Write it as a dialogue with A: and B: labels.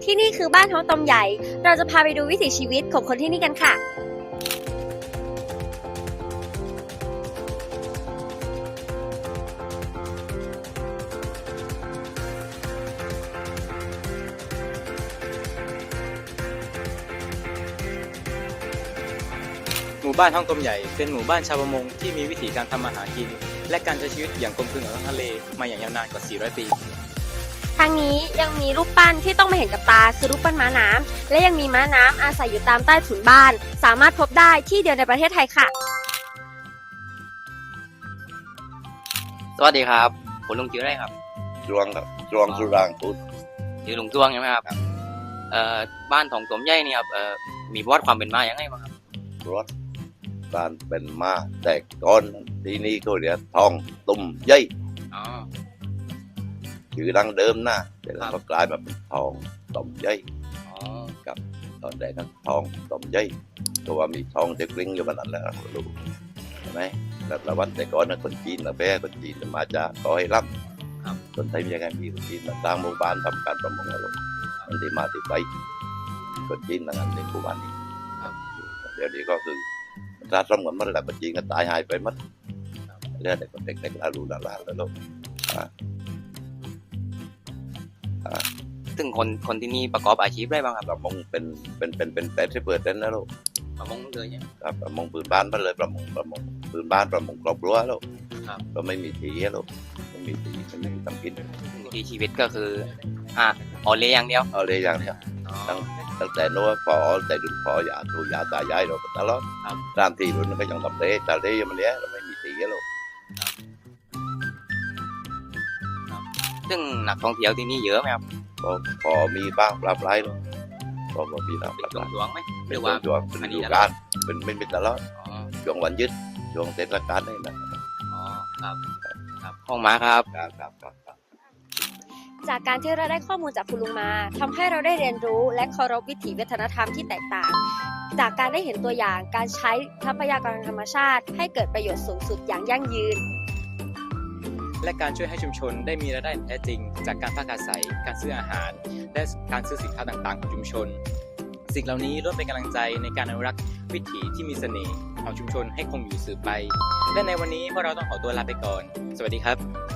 A: ที่นี่คือบ้านท้องตมใหญ่ เราจะพาไปดูวิถีชีวิตของคนที่นี่กันค่ะ
B: หมู่บ้านท้องกลมใหญ่เป็นหมู่บ้านชาวประมงที่มีวิถีการทำมาหากิน และการใช้ชีวิตอย่างกลมกลืนกับท้องทะเลมาอย่างยาวนานกว่า 400 ปี
A: ทางนี้ยังมีรูปปั้นที่ต้องมาเห็นกับตาคือรูปปั้นม้าน้ำและยังมีม้าน้ำอาศัยอยู่ตามใต้ถุนบ้าน สามารถพบได้ที่เดียวในประเทศไทยค่ะ
C: สวัสดีครับผมลุงชื่ออะไรครับ
D: จวงครับจวงสุรางพุทธ
C: ชื่อลุงจ้วงใช่ไหมครับบ้านของสมใหญ่นี่ครับมีประวัติความเป็นมาอย่างไรบ้างครับ
D: รถการเป็นมาแต่ก่อนที่นี่ก็เรียกทองตุ่มใหญ่
C: อ๋อ
D: ชื่อดังเดิมนะแต่แล้วก็กลายมาเป็นทองตุ่มใหญ่
C: อ๋อ
D: ตอนแรกนั้นทองตุ่มใหญ่ตัวว่ามีทองเด็กลิงอยู่บนนั้นแหละรู้ใช่ไหมแล้วประวัติแต่ก่อนนะคนจีนนะแพ้คนจีนมาจากขอให้รับคนไทยมียังไงมีคนจีนมาสร้างหมู่บ้านทำการประมงแล้วลูกมันที่มาที่ไปคนจีนนั่นในหมู่บ้านนี้เดี๋ยวนี้ก็คือราชสมกันมันแหละคนจีนก็ตายหายไปมัดเรื่องเด็กเด็กๆอาลูลาลาแล้วลูก
C: ซึ่งคนที่นี่ประกอบอาชีพอะไรบ้างครับ
D: ประมงเป็น80%นะลูก
C: ประมงเลยเนี่ย
D: ครับประมงพื้นบ้านมันเลยประมงพื้นบ้านประมงครอบครัวลูก
C: ครับ
D: ก็ไม่มีทีให้ลูกไม่มีทีไม่มีทำกิน
C: วิถีชีวิตก็คือออเลี้ยอย่างเดียว
D: เอาเลยอย่างเนี้ย
C: อ๋อ
D: ตั้งแต่โน้นพอแต่ดุนพออย่าดูอย่าตายายเราตลอด
C: ครับ
D: ตามที่รุ่นก็ยังทำเลยแต่เลยมันเนี้ยเราไม่มีทีให้ลูก
C: ซึ่งนักท่องเที่ยวที่นี่เยอะไหมครับ
D: พอมีบ้างปลาปลายลูกพอมีบ้างป
C: เป็น
D: ลาป
C: ช่ว
D: ลาง
C: ๆไหมห
D: เป็
C: รื
D: น
C: อว่า
D: ช่วง
C: อั
D: เป็น
C: นนี้
D: ฤดู
C: ตลอด
D: กาลเป็นไม่เป็นตลอด
C: อ๋อ
D: ช่วงวันยึดช่วงเทศกาลนี่นะ
C: อ๋อครับครับห้องม้าครับ
D: ครับ
A: จากการที่เราได้ข้อมูลจากคุณลุงมาทำให้เราได้เรียนรู้และเคารพวิถีวัฒนธรรมที่แตกต่าง จากการได้เห็นตัวอย่างการใช้ทรัพยากรธรรมชาติ ให้เกิดประโยชน์สูงสุดอย่างยั่งยืน
B: และการช่วยให้ชุมชนได้มีรายได้อย่างแท้จริง จากการพักอาศัย การซื้ออาหาร และการซื้อสินค้าต่างๆของชุมชน สิ่งเหล่านี้ล้วนเป็นกำลังใจในการอนุรักษ์วิถีที่มีเสน่ห์ของชุมชนให้คงอยู่สืบไป และในวันนี้พวกเราต้องขอตัวลาไปก่อน สวัสดีครับ